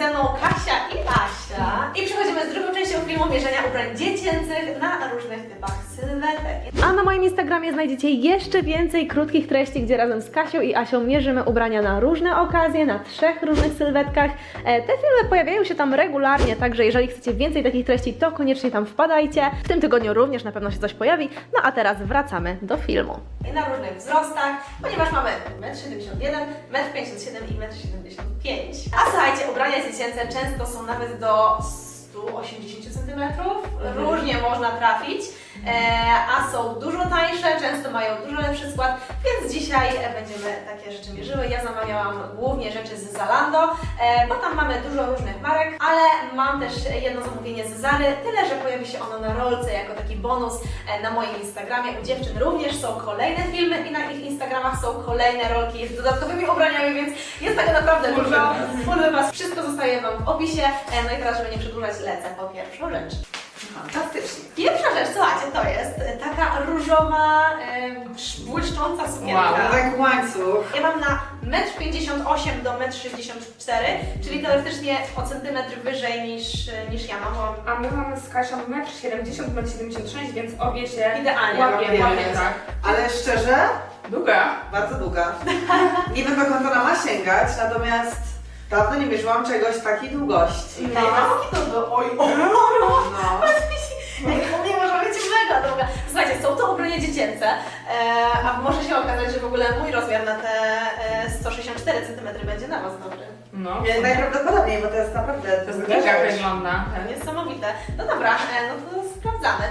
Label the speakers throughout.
Speaker 1: ze mną Kasia i Asia. I przechodzimy z drugą częścią filmu mierzenia ubrań dziecięcych na różnych typach sylwetek.
Speaker 2: A na moim Instagramie znajdziecie jeszcze więcej krótkich treści, gdzie razem z Kasią i Asią mierzymy ubrania na różne okazje, na 3 różnych sylwetkach. Te filmy pojawiają się tam regularnie, także jeżeli chcecie więcej takich treści, to koniecznie tam wpadajcie. W tym tygodniu również na pewno się coś pojawi. No a teraz wracamy do filmu.
Speaker 1: I na różnych wzrostach, ponieważ mamy 1,71 m, 1,57 m i 1,75 m. A słuchajcie, ubrania dziecięce często są nawet do 180 cm, różnie można trafić, a są dużo tańsze, często mają dużo lepszy skład, więc dzisiaj będziemy takie rzeczy mierzyły. Ja zamawiałam głównie rzeczy z Zalando, bo tam mamy dużo różnych marek, ale mam też jedno zamówienie z Zary, tyle że pojawi się ono na rolce jako taki bonus na moim Instagramie. U dziewczyn również są kolejne filmy i na ich Instagramach są kolejne rolki z dodatkowymi ubraniami, więc jest tego naprawdę dużo. Full Was, wszystko zostaje Wam w opisie. No i teraz, żeby nie przedłużać, lecę po pierwszą rzecz. Fantastycznie. Pierwsza rzecz, słuchajcie, to jest taka różowa, błyszcząca sukienka.
Speaker 3: Wow, tak łańcuch.
Speaker 1: Ja mam na 1,58 m do 1,64 m, czyli teoretycznie o centymetr wyżej niż ja mam.
Speaker 4: A my mamy z Kasią 1,70 m, 1,76 m, więc obie się
Speaker 1: Idealnie.
Speaker 4: łapiemy, tak.
Speaker 3: Ale szczerze,
Speaker 4: Długa.
Speaker 3: bardzo długa. Nie wiem, dokąd ona ma sięgać, natomiast dawno nie mierzyłam czegoś takiej długości.
Speaker 1: No. Oj,
Speaker 3: No.
Speaker 1: u mnie może być mega długa. Słuchajcie, są to ubrania dziecięce, a może się okazać, że w ogóle mój rozmiar na te 164 cm będzie na Was dobry.
Speaker 4: No.
Speaker 3: Najprawdopodobniej, bo to jest naprawdę
Speaker 4: To jest
Speaker 3: duża
Speaker 4: giga
Speaker 3: rzecz.
Speaker 4: wygląda.
Speaker 1: Niesamowite. No dobra, no to sprawdzamy.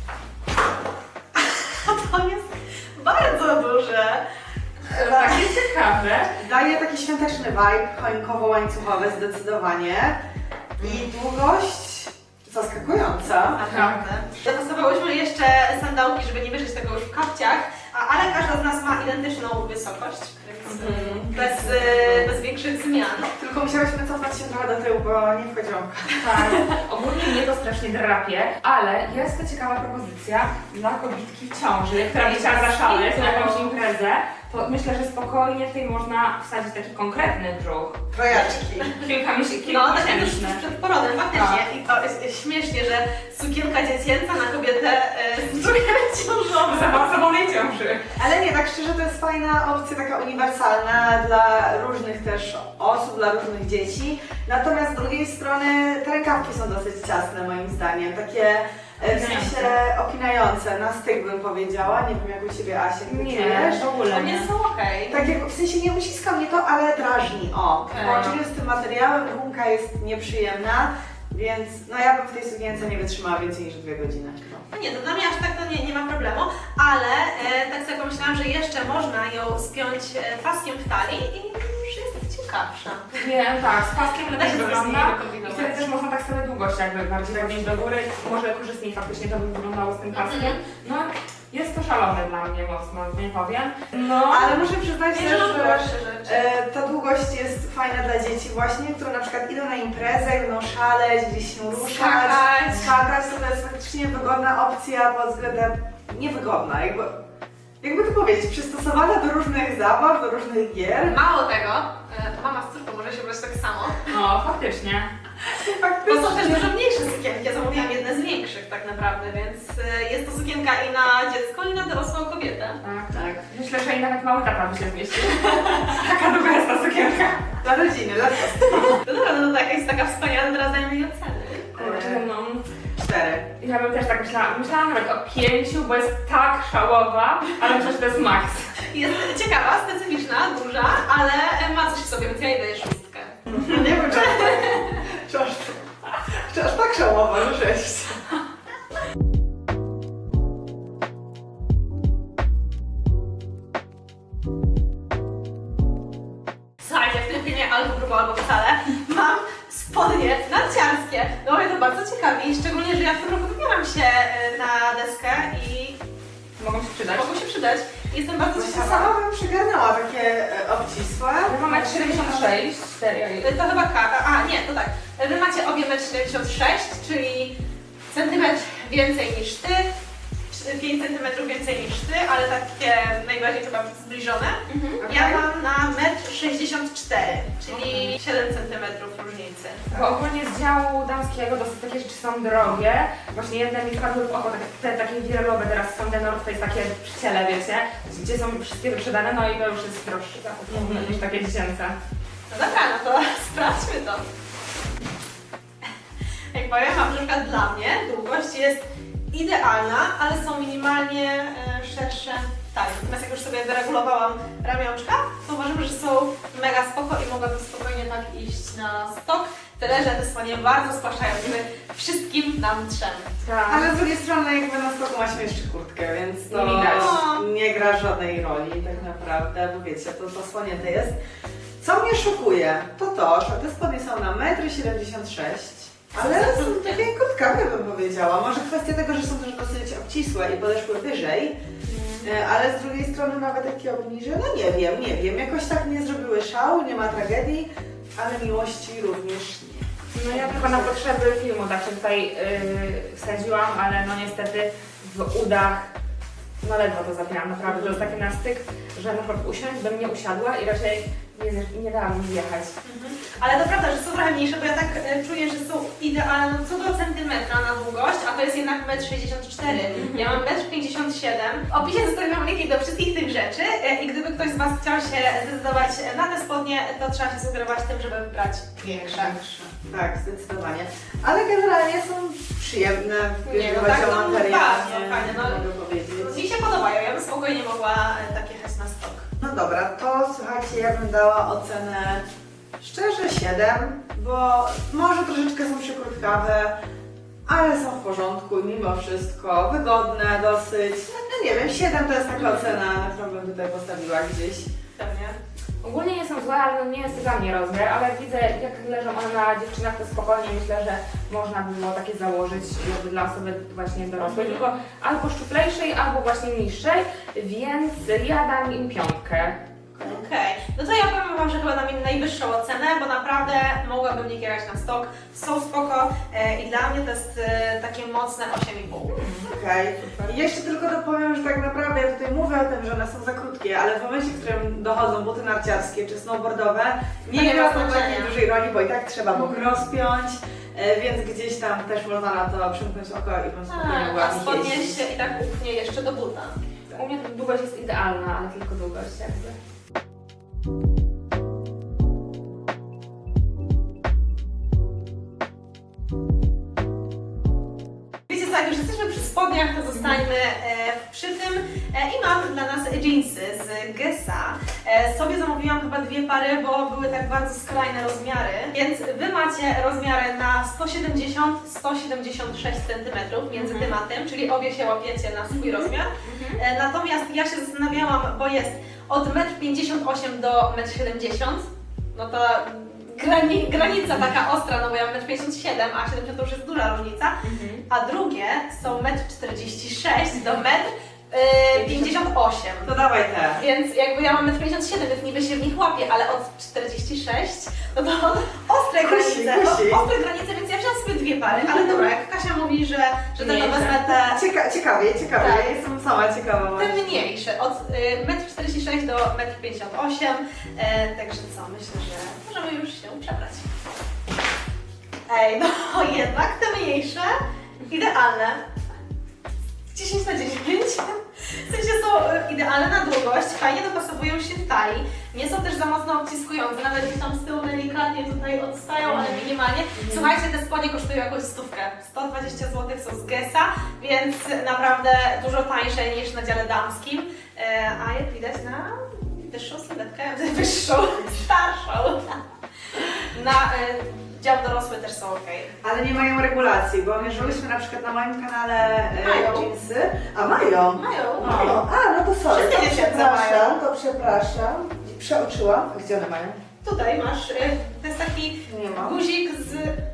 Speaker 1: To jest bardzo duże.
Speaker 4: Takie ciekawe.
Speaker 3: Daje taki świąteczny vibe, choinkowo-łańcuchowy zdecydowanie. I długość zaskakująca.
Speaker 1: Naprawdę. Dopasowałyśmy jeszcze sandałki, żeby nie mierzyć tego już w kapciach, ale każda z nas ma identyczną wysokość, więc bez większych zmian.
Speaker 3: Tylko musiałyśmy cofnąć się trochę do tyłu, bo nie wchodziłam w kadr.
Speaker 4: Tak. Ogólnie mnie to strasznie drapie, ale jest to ciekawa propozycja dla kobietki w ciąży, która by chciała zaszaleć na jakąś imprezę. To myślę, że spokojnie w tej można wsadzić taki konkretny brzuch.
Speaker 3: Trojaczki.
Speaker 1: No, tak jak już
Speaker 4: kilkumiesięczny.
Speaker 1: przed porodem, faktycznie. I to jest śmiesznie, że sukienka dziecięca na kobietę z brzuchem ciążowym.
Speaker 4: Zaawansowanej ciąży.
Speaker 3: Ale nie, tak szczerze to jest fajna opcja, taka uniwersalna dla różnych też osób, dla różnych dzieci. Natomiast z drugiej strony te rękawki są dosyć ciasne moim zdaniem, takie w sensie opinające, na styk bym powiedziała. Nie wiem jak u Ciebie, Asia, jak ty czujesz?
Speaker 4: w ogóle
Speaker 1: One
Speaker 4: nie.
Speaker 1: są okej.
Speaker 3: Tak jak w sensie nie uciska mnie to, ale drażni. O, w
Speaker 1: Okej.
Speaker 3: połączeniu z tym materiałem gumka jest nieprzyjemna, więc no ja bym w tej sukience nie wytrzymała więcej niż 2 godziny.
Speaker 1: No nie, to dla mnie aż tak to nie ma problemu, ale tak sobie pomyślałam, że jeszcze można ją spiąć paskiem w talii i już jest ciekawsza.
Speaker 4: Nie, tak, z paskiem
Speaker 1: Da
Speaker 4: lepiej
Speaker 1: się coś z
Speaker 4: wygląda
Speaker 1: niej
Speaker 4: i
Speaker 1: wykombinować.
Speaker 4: wtedy też można tak sobie długość jakby bardziej podnieść do góry. Może korzystniej faktycznie to by wyglądało z tym paskiem. No, jest to szalone dla mnie mocno, nie powiem. No,
Speaker 3: Ale muszę przyznać
Speaker 1: Nie,
Speaker 3: też,
Speaker 1: że mam
Speaker 3: że
Speaker 1: gorsze rzeczy.
Speaker 3: ta długość jest fajna dla dzieci właśnie, które na przykład idą na imprezę, będą szaleć, gdzieś się ruszać, skakać, to jest faktycznie wygodna opcja pod względem, niewygodna, jakby to powiedzieć, przystosowana do różnych zabaw, do różnych gier.
Speaker 1: Mało tego, mama z córką może się brać tak samo.
Speaker 4: no faktycznie.
Speaker 1: Bo są też dużo mniejsze sukienki, ja zamówiłam jedne z większych tak naprawdę, więc jest to sukienka i na dziecko, i na dorosłą kobietę.
Speaker 4: Tak. Myślę, że i nawet mały tata by się zmieścił. Taka długa jest ta sukienka.
Speaker 3: Dla rodziny, dla ciosty.
Speaker 1: No dobra, no to taka jest taka wspaniała, teraz dajmy jej oceny.
Speaker 4: Kurczę, no.
Speaker 3: 4.
Speaker 4: Ja bym też tak myślała. Myślałam nawet o 5, bo jest tak szałowa, ale myślę, że to jest max.
Speaker 1: Jest ciekawa, specyficzna, duża, ale ma coś w sobie, więc ja jej daję 6.
Speaker 3: Nie wiem, czy aż tak szałowa, że 6.
Speaker 1: Słuchajcie, w tym filmie albo grubo, albo wcale mam spodnie narciarskie. No mnie to bardzo ciekawi, szczególnie, że ja w tym roku wybieram się na deskę i
Speaker 4: Mogą się przydać.
Speaker 1: mogą się przydać. Jestem bardzo
Speaker 3: Właśnie
Speaker 1: ciekawa.
Speaker 3: sama bym przygarnęła takie obcisłe.
Speaker 4: My mamy 76, 4.
Speaker 1: To chyba a nie, to tak. Wy macie obie 1,76 m, czyli centymetr więcej niż ty, 5 cm więcej niż ty, ale takie najbardziej chyba zbliżone. Ja mam na 1,64 m, czyli 7 cm różnicy. różnicy.
Speaker 4: Bo ogólnie z działu damskiego dosyć takie rzeczy są drogie. Właśnie jedne mi wpadły w oko, te takie wirelowe teraz są The North Face, takie przy ciele, wiecie, gdzie są wszystkie wyprzedane, no i to już jest droższe niż takie dziecięce.
Speaker 1: No dobra, no to sprawdźmy to. Jak powiem wam, na przykład dla mnie długość jest idealna, ale są minimalnie szersze talie. Natomiast jak już sobie wyregulowałam ramionczka, to uważam, że są mega spoko i mogłabym spokojnie tak iść na stok. Tyle, że te spodnie bardzo spłaszczają, żeby wszystkim nam trzemy.
Speaker 4: Tak.
Speaker 3: Ale z drugiej strony jakby na stoku masz jeszcze kurtkę, więc to
Speaker 4: Nie widać.
Speaker 3: nie gra żadnej roli tak naprawdę, bo wiecie, to zasłonięte jest. Co mnie szokuje, to, że te spodnie są na 1,76 m, ale są takie krótkawe, bym powiedziała. Może kwestia tego, że są też dosyć obcisłe i podeszły wyżej, ale z drugiej strony nawet takie obniże, no nie wiem, jakoś tak nie zrobiły szału, nie ma tragedii, ale miłości również nie.
Speaker 4: No ja tylko na potrzeby filmu tak się tutaj wsadziłam, ale no niestety w udach no ledwo to zapięłam, naprawdę. To jest taki nastyk, że na przykład usiąść bym nie usiadła i raczej nie dałam mi zjechać.
Speaker 1: Ale to prawda, że są trochę mniejsze, bo ja tak czuję, że są idealne co do centymetra na długość, a to jest jednak 1,64 m. Ja mam 1,57 m. W opisie zostawiam linki do wszystkich tych rzeczy i gdyby ktoś z Was chciał się zdecydować na te spodnie, to trzeba się sugerować tym, żeby wybrać większe.
Speaker 3: Tak, zdecydowanie. Ale generalnie są przyjemne,
Speaker 1: Nie, no
Speaker 3: chodzi
Speaker 1: tak,
Speaker 3: o
Speaker 1: no
Speaker 3: materiał,
Speaker 1: bardzo
Speaker 3: nie
Speaker 1: fajne, no.
Speaker 3: mogę powiedzieć.
Speaker 1: Mi się podobają, ja bym spokojnie mogła tak jechać na stok.
Speaker 3: No dobra, to słuchajcie, ja bym dała ocenę szczerze 7, bo może troszeczkę są przykrótkawe, ale są w porządku mimo wszystko, wygodne dosyć. No nie wiem, 7 to jest taka ocena, na którą bym tutaj postawiła gdzieś.
Speaker 1: Pewnie.
Speaker 4: Ogólnie nie są złe, ale no nie jest to dla mnie rozmiar, ale jak widzę jak leżą one na dziewczynach, to spokojnie myślę, że można by było takie założyć jakby dla osoby właśnie dorosłej, tylko albo szczuplejszej, albo właśnie niższej, więc ja dam im 5.
Speaker 1: Okej, no to ja powiem Wam, że chyba dam im najwyższą ocenę, bo naprawdę mogłabym nie kierać na stok, są spoko i dla mnie to jest takie mocne 8,5.
Speaker 3: Okej. I jeszcze tylko dopowiem, że tak naprawdę ja tutaj mówię o tym, że one są za krótkie, ale w momencie, w którym dochodzą buty narciarskie czy snowboardowe,
Speaker 1: nie
Speaker 3: nie
Speaker 1: ma
Speaker 3: gra to
Speaker 1: znaczenia.
Speaker 3: takiej dużej roli, bo i tak trzeba bok rozpiąć, więc gdzieś tam też można na to przymknąć oko i bym spokojnie mogła
Speaker 1: A
Speaker 3: w nich
Speaker 1: spodnie
Speaker 3: jeździć.
Speaker 1: się i tak upchnie jeszcze do buta.
Speaker 4: U mnie długość jest idealna, ale tylko długość jakby.
Speaker 1: Wiecie co, jak już jesteśmy przy spodniach, to zostańmy przy tym i mam dla nas jeansy z Gessa. Sobie zamówiłam chyba 2 pary, bo były tak bardzo skrajne rozmiary, więc Wy macie rozmiary na 170-176 cm między tym a tym, czyli obie się łapiecie na swój rozmiar. Natomiast ja się zastanawiałam, bo jest od 1,58 m do 1,70 m, no to granica taka ostra, no bo ja mam 1,57 m, a 70 to już jest duża różnica, a drugie są 1,46 m do 1,58 m.
Speaker 3: To dawaj te.
Speaker 1: Więc jakby ja mam 1,57 m, więc niby się w nich łapię, ale od 46 no to ostre
Speaker 3: Kusi,
Speaker 1: granice,
Speaker 3: kusi.
Speaker 1: ostre granice, więc ja wziąłam sobie 2 pary, ale dobra, jak Kasia mówi, że to
Speaker 4: Mniejsze.
Speaker 1: wezmę te
Speaker 3: Ciekawie,
Speaker 1: Tak.
Speaker 3: ja jestem sama ciekawa
Speaker 1: te
Speaker 3: właśnie.
Speaker 1: mniejsze, od 1,46 m do 1,58 m, także co, myślę, że możemy już się przebrać. Ej, no jednak te mniejsze, idealne. 10 na 10. W sensie są idealne na długość, fajnie dopasowują się w talii, nie są też za mocno obciskujące, nawet gdzieś tam z tyłu delikatnie tutaj odstają, ale minimalnie. Słuchajcie, te spodnie kosztują jakąś 100. 120 zł są z Gessa, więc naprawdę dużo tańsze niż na dziale damskim. A jak widać na wyższą sylwetkę, wyższą, starszą. Na dział dorosły też są ok.
Speaker 3: Ale nie mają regulacji, bo mierzyłyśmy na przykład na moim kanale
Speaker 1: Mają.
Speaker 3: jeansy. A mają?
Speaker 1: Mają.
Speaker 3: Mają. A, no to sorry,
Speaker 1: Wszystkie dziewczęta mają.
Speaker 3: to przepraszam. Przeoczyłam. A gdzie one mają?
Speaker 1: Tutaj masz, to jest taki
Speaker 3: Nie mam.
Speaker 1: guzik z...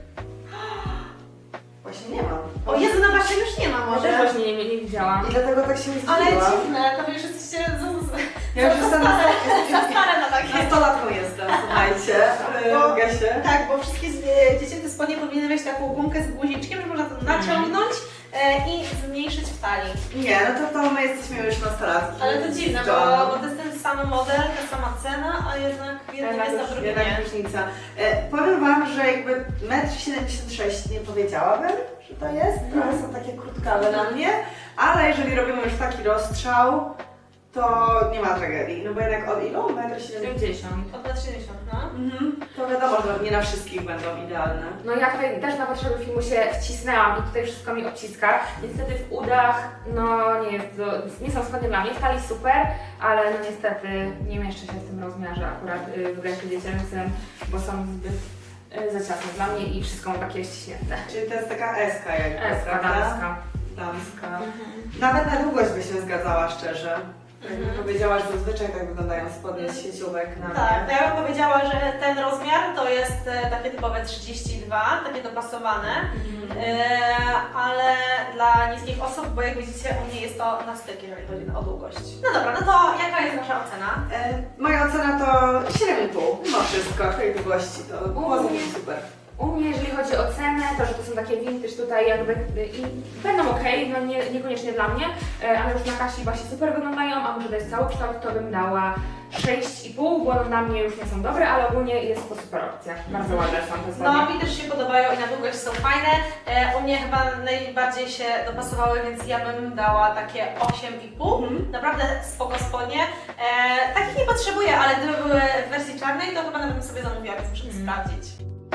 Speaker 3: Właśnie nie mam.
Speaker 1: O Jezu, na waszej już nie ma
Speaker 4: Ja
Speaker 1: może.
Speaker 4: też właśnie nie widziałam.
Speaker 3: I dlatego tak się zdziwiłam.
Speaker 1: Ale dziwne, to wy już jesteście
Speaker 3: Ja już jestem
Speaker 1: za stare na takie.
Speaker 3: nastolatką jestem, słuchajcie,
Speaker 1: Bo-
Speaker 3: Gasie.
Speaker 1: Tak, bo wszystkie dziecięce spodnie powinny mieć taką gumkę z guziczkiem, że można to naciągnąć i zmniejszyć w talii.
Speaker 3: Nie, no to my jesteśmy już nastolatki.
Speaker 1: Ale to dziwne,
Speaker 3: Joanną.
Speaker 1: bo to jest ten sam model, ta sama cena, a jednak w jednym jest, a w drugim
Speaker 3: Jednak
Speaker 1: nie.
Speaker 3: różnica. Powiem Wam, przyznam, że jakby 1,76 m nie powiedziałabym, że to jest. Trochę są takie krótkawe na mnie, ale jeżeli robimy już taki rozstrzał, to nie ma tragedii. No bo jednak od ilu? 1,70 m?
Speaker 4: 70.
Speaker 1: Od 1,70 no.
Speaker 3: To wiadomo, że nie na wszystkich będą idealne.
Speaker 4: No ja tutaj też na potrzeby filmu się wcisnęłam i tutaj wszystko mi obciska. Niestety w udach, no nie są spodnie dla mnie. W talii super, ale no niestety nie mieszczę się w tym rozmiarze akurat w ręku dziecięcym, bo są zbyt za ciasne dla mnie i wszystko mam takie ściśnięte.
Speaker 3: Czyli to jest taka eska jakby,
Speaker 4: Eska,
Speaker 3: prawda?
Speaker 4: damska.
Speaker 3: Damska. Nawet na długość by się zgadzała szczerze. Jakby powiedziała, że zazwyczaj tak wyglądają spodnie z sieciówek na
Speaker 1: Tak,
Speaker 3: mnie.
Speaker 1: to ja bym powiedziała, że ten rozmiar to jest takie typowe 32, takie dopasowane, ale dla niskich osób, bo jak widzicie u mnie jest to na styk, jeżeli chodzi o długość. No dobra, no to jaka jest wasza ocena?
Speaker 3: Moja ocena to 7,5 mimo wszystko, tej długości to było super.
Speaker 4: U mnie, jeżeli chodzi o cenę, to że to są takie vintage tutaj jakby i będą ok, no niekoniecznie dla mnie, ale już na Kasi właśnie super wyglądają, a może dać cały kształt, to bym dała 6,5, bo na mnie już nie są dobre, ale ogólnie jest to super opcja. Bardzo ładne są te spodnie.
Speaker 1: No mi też się podobają i na długość są fajne. U mnie chyba najbardziej się dopasowały, więc ja bym dała takie 8,5. Naprawdę spoko spodnie. Takich nie potrzebuję, ale gdyby były w wersji czarnej, to chyba nawet bym sobie zamówiła, więc muszę sprawdzić.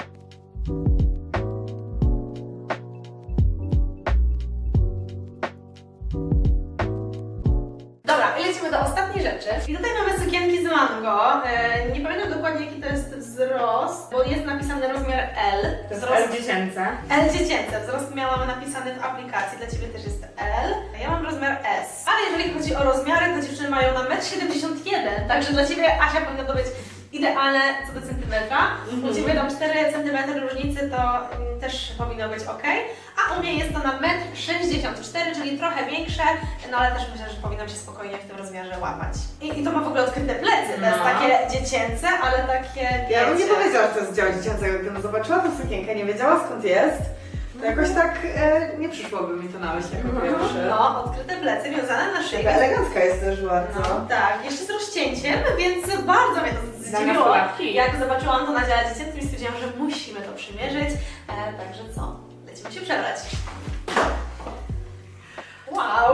Speaker 1: Dobra, i lecimy do ostatniej rzeczy. I tutaj mamy sukienki z mango. Nie pamiętam dokładnie jaki to jest wzrost, bo jest napisany rozmiar L.
Speaker 4: To jest
Speaker 1: Wzrost
Speaker 4: L dziecięce.
Speaker 1: L dziecięce. Wzrost miałam napisany w aplikacji. Dla Ciebie też jest L. A ja mam rozmiar S. Ale jeżeli chodzi o rozmiary, to dziewczyny mają na 1,71 m. Także dla Ciebie, Asia, powinno to być idealne co do centymetra. U Ciebie tam 4 cm różnicy, to też powinno być ok. A u mnie jest to na 1,64 m, czyli trochę większe, no ale też myślę, że powinnam się spokojnie w tym rozmiarze łapać. I to ma w ogóle odkryte plecy, to jest
Speaker 4: No.
Speaker 1: takie dziecięce, ale takie,
Speaker 3: Ja bym nie
Speaker 1: wiecie,
Speaker 3: powiedziała, że to jest dział dziecięcego, gdybym zobaczyła tę sukienkę, nie wiedziała skąd jest, to jakoś tak nie przyszłoby mi to na myśl jako pierwsze.
Speaker 1: no, odkryte plecy wiązane na szyi.
Speaker 3: Taka elegancka jest też bardzo.
Speaker 1: No, tak, jeszcze z rozcięciem, więc bardzo mnie to zdziwiło.
Speaker 4: nastolatki.
Speaker 1: Jak zobaczyłam to na dziale dziecięcym i stwierdziłam, że musimy to przymierzyć. Także co? Lecimy się przebrać. Wow!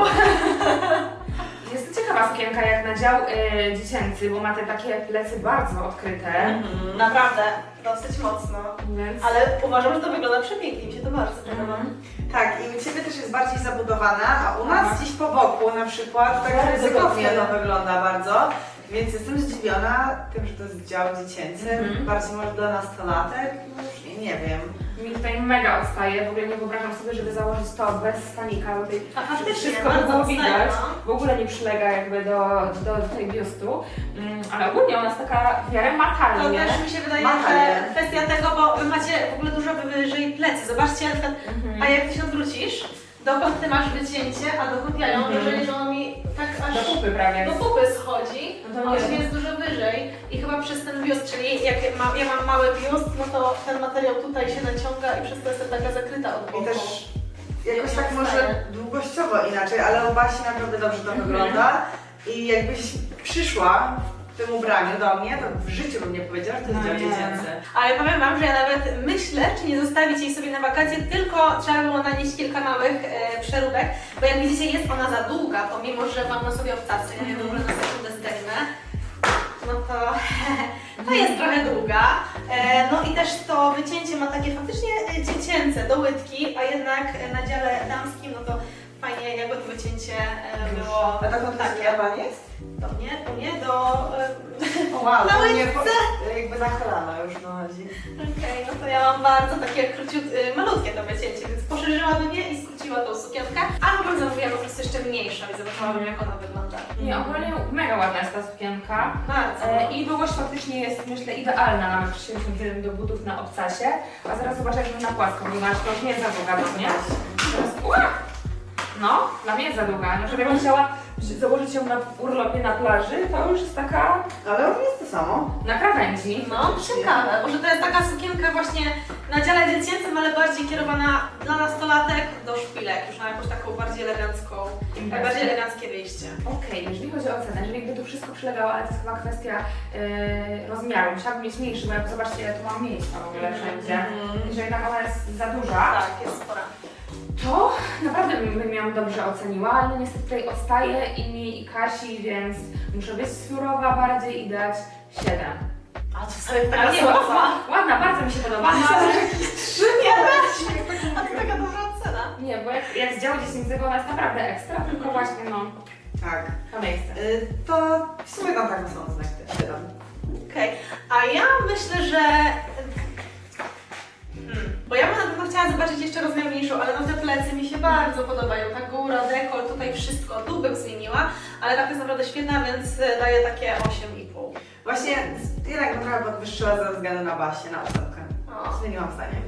Speaker 4: Jest to ciekawa sukienka jak na dział dziecięcy, bo ma te takie plecy bardzo odkryte.
Speaker 1: Naprawdę, dosyć mocno.
Speaker 4: Więc...
Speaker 1: Ale uważam, że to wygląda przepięknie, mi się to bardzo podoba.
Speaker 3: Tak, i u Ciebie też jest bardziej zabudowana, a u nas gdzieś po boku na przykład tak
Speaker 1: Bardzo
Speaker 3: ryzykownie
Speaker 1: wygodnie.
Speaker 3: to wygląda bardzo. Więc jestem zdziwiona tym, że to jest dział dziecięcy, bardziej może dla nastolatek, już nie wiem.
Speaker 4: Mi tutaj mega odstaje, w ogóle nie wyobrażam sobie, żeby założyć to bez stanika, bo tutaj
Speaker 1: A faktycznie,
Speaker 4: wszystko by
Speaker 1: bardzo
Speaker 4: było
Speaker 1: odstaje,
Speaker 4: widać,
Speaker 1: no.
Speaker 4: w ogóle nie przylega jakby do tej biustu, ale ogólnie ona jest taka w miarę
Speaker 1: To
Speaker 4: makalnie.
Speaker 1: też mi się wydaje,
Speaker 3: Makalnie.
Speaker 1: że kwestia tego, bo wy macie w ogóle dużo wyżej plecy. Zobaczcie, na przykład, a jak ty się odwrócisz, dokąd ty masz wycięcie, a dokąd ja ją, jeżeli że on mi tak aż
Speaker 4: Do kupy prawie.
Speaker 1: do pupy schodzi,
Speaker 4: No to
Speaker 1: a
Speaker 4: nie
Speaker 1: on
Speaker 4: wiem.
Speaker 1: jest dużo wyżej i chyba przez ten biust, czyli jak ja mam mały biust, no to ten materiał tutaj się naciąga i przez to jest taka zakryta od boku.
Speaker 3: I też jakoś tak może długościowo inaczej, ale u Basi naprawdę dobrze to wygląda. I jakbyś przyszła w tym ubraniu do mnie, to w życiu bym nie powiedziała, że to jest
Speaker 4: No
Speaker 3: dział
Speaker 4: nie.
Speaker 3: dziecięcy.
Speaker 1: Ale powiem Wam, że ja nawet myślę, czy nie zostawić jej sobie na wakacje, tylko trzeba było nanieść kilka małych przeróbek, bo jak widzicie jest ona za długa, pomimo, że mam na sobie obcasy, ja je w ogóle na sekundę zdejmę, no to jest trochę długa. No i też to wycięcie ma takie faktycznie dziecięce do łydki, a jednak na dziale damskim, no to fajnie jakby to wycięcie było
Speaker 3: A dokąd
Speaker 1: takie.
Speaker 3: taka jest?
Speaker 1: Do mnie, do...
Speaker 3: O wow,
Speaker 1: Na
Speaker 3: to nie,
Speaker 1: łydce.
Speaker 3: jakby na kolana już dochodzi.
Speaker 1: Okej, no to ja mam bardzo takie malutkie to wycięcie, więc poszerzyłabym je i skróciła tą sukienkę, albo bym zamówiła po prostu jeszcze mniejszą i zobaczyłabym, jak ona wygląda.
Speaker 4: Nie, ogólnie mega ładna jest ta sukienka.
Speaker 1: Bardzo.
Speaker 4: I długość faktycznie jest, myślę, idealna nawet 31 do butów na obcasie. A zaraz zobaczę, jak na płasko wygląda, to już nie jest za długa do mnie. Teraz, no, dla mnie jest za długa. Na przykład jakbym chciała założyć ją na urlopie na plaży, to już jest taka
Speaker 3: Ale u mnie jest to samo.
Speaker 4: na krawędzi.
Speaker 1: No, ciekawe, może to jest taka sukienka właśnie na dziale dziecięcym, ale bardziej kierowana dla nastolatek do szpilek, już na jakąś taką bardziej elegancką, bardziej eleganckie wyjście.
Speaker 4: Okej, jeżeli chodzi o cenę, jeżeli jakby to wszystko przylegało, ale to jest chyba kwestia rozmiaru. Musiałabym mieć mniejszy, bo jak zobaczcie, ja tu mam miejsca w ogóle wszędzie. Jeżeli tam ona jest za duża,
Speaker 1: Tak, jest spora.
Speaker 4: to naprawdę bym ją dobrze oceniła, ale no niestety tutaj odstaje i mi i Kasi, więc muszę być surowa bardziej i dać 7.
Speaker 1: A to wcale
Speaker 4: Ale
Speaker 1: taka
Speaker 4: nie,
Speaker 1: słaba.
Speaker 4: ładna, bardzo mi się podoba, no ale...
Speaker 1: A to taka dobra cena.
Speaker 4: Nie, bo jak z działu dziecięcego ona jest naprawdę ekstra, tylko właśnie no,
Speaker 3: Tak.
Speaker 4: to miejsce.
Speaker 3: To w sumie tam taką samą znak też wydam.
Speaker 1: Okej, a ja myślę, że... Bo ja bym na pewno chciała zobaczyć jeszcze rozmiar mniejszą, ale no te plecy mi się bardzo podobają. Ta góra, dekol, tutaj wszystko. Tu bym zmieniła, ale tak jest naprawdę świetna, więc daję takie 8,5.
Speaker 3: Właśnie jednak bym trochę podwyższyła ze względu na Basię, na osobkę.
Speaker 1: O.
Speaker 3: Zmieniłam zdanie.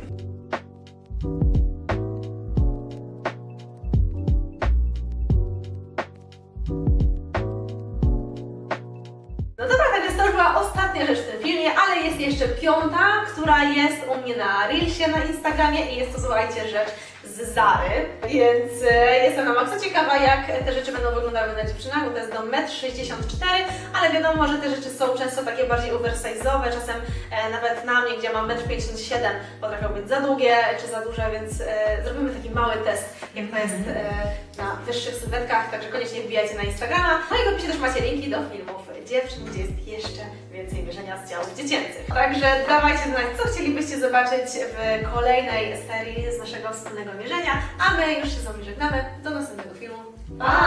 Speaker 1: No dobra, tak więc to już była ostatnia rzecz w tym filmie, ale jest jeszcze piąta, która jest u mnie na Reelsie na Instagramie i jest to, słuchajcie, rzecz z Zary, więc jestem na maksa ciekawa, jak te rzeczy będą wyglądały na dziewczynach, bo to jest do 1,64 m, ale wiadomo, że te rzeczy są często takie bardziej oversize'owe, czasem nawet na mnie, gdzie mam 1,57 m, potrafią być za długie czy za duże, więc zrobimy taki mały test, jak to jest na wyższych sylwetkach, także koniecznie wbijajcie na Instagrama. No i w opisie też macie linki do filmów dziewczyn, gdzie jest jeszcze więcej mierzenia z działów dziecięcych. Także dawajcie znać, co chcielibyście zobaczyć w kolejnej serii z naszego wspólnego mierzenia, a my już się z wami żegnamy. Do następnego filmu. Pa!